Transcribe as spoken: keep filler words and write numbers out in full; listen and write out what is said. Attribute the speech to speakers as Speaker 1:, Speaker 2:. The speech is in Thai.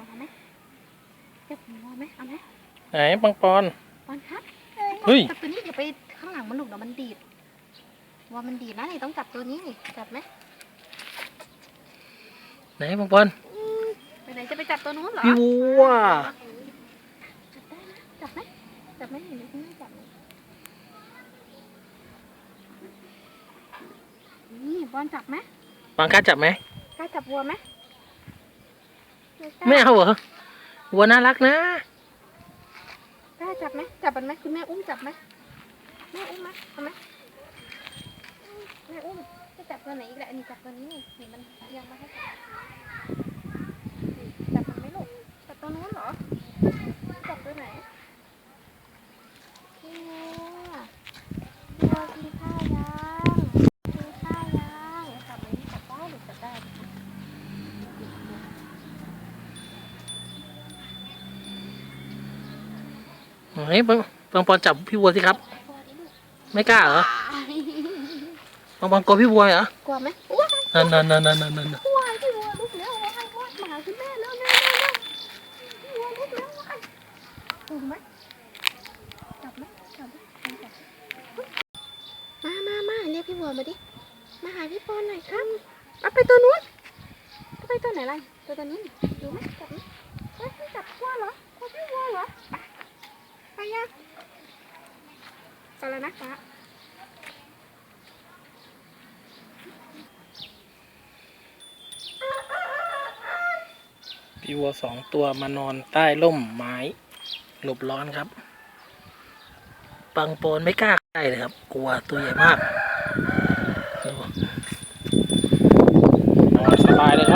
Speaker 1: เอาไหมจับวัวไหมเอาไหม
Speaker 2: ไหนปังปอน
Speaker 1: ปอนครับ
Speaker 2: เฮ้ย
Speaker 1: จับตัวนี้อย่าไปข้างหลังมันหลุดเดี๋ยวมันดีดวัวมันดีดนะนี่ต้องจับตัวนี้นี่จับไหม
Speaker 2: ไหนปังปอน
Speaker 1: ไปไหนจะไปจับตัวนู้นเหรอ
Speaker 2: พี่วัว
Speaker 1: จับได้นะจับไหมจับไหมเห็นไหมคุณแม่จับไหมนี่บอลจับไหม
Speaker 2: ปังกล้าจับไหม
Speaker 1: กล้าจับวัวไหม
Speaker 2: ไม่เอาเหรอวัวน่ารักนะ
Speaker 1: กล้าจับไหมจับมันไหมคุณแม่อุ้มจับไหมแม่อุ้มไหมเอาไหมแม่อุ้มจะจับตัวไหนอีกแหละนี่จับตัวนี้นี่นี่มันยังไม่ให้จับจับมันไหมลูกจับตัวนู้นเหรอจับตัวไหนพี่วัวพี่วัวกินข้าวยังกินข้าวยังจับไหมจับได้หรือจับได้
Speaker 2: ไหนปังปังปอนจับพี่วัวสิครับไม่กล้าเหรอปังปอนกลัวพี่วัวเหรอก
Speaker 1: ลัวไหม
Speaker 2: นั่นนั่นนั่นนั่นนั่นนั่น
Speaker 1: กลัวพี่วัวลุกแล้ววายวายมาหาคุณแม่แล้วแม่พี่วัวลุกแล้ววายถูกไหมจับไหมจับไหมมามามาเรียกพี่วัวมาดิมาหาพี่ปอนหน่อยครับเอาไปตัวนู้นไปตัวไหนล่ะตัวตัวนี้ดูไหมจับไหมไม่จับวัวเหรอกลัวพี่วัวเหรอไปยังไปแล้วนะป้า
Speaker 2: พี่วัวสองตัวมานอนใต้ร่มไม้หลบร้อนครับปังปอนไม่กล้าใกล้เลยครับกลัวตัวใหญ่มากนอนสบายเลย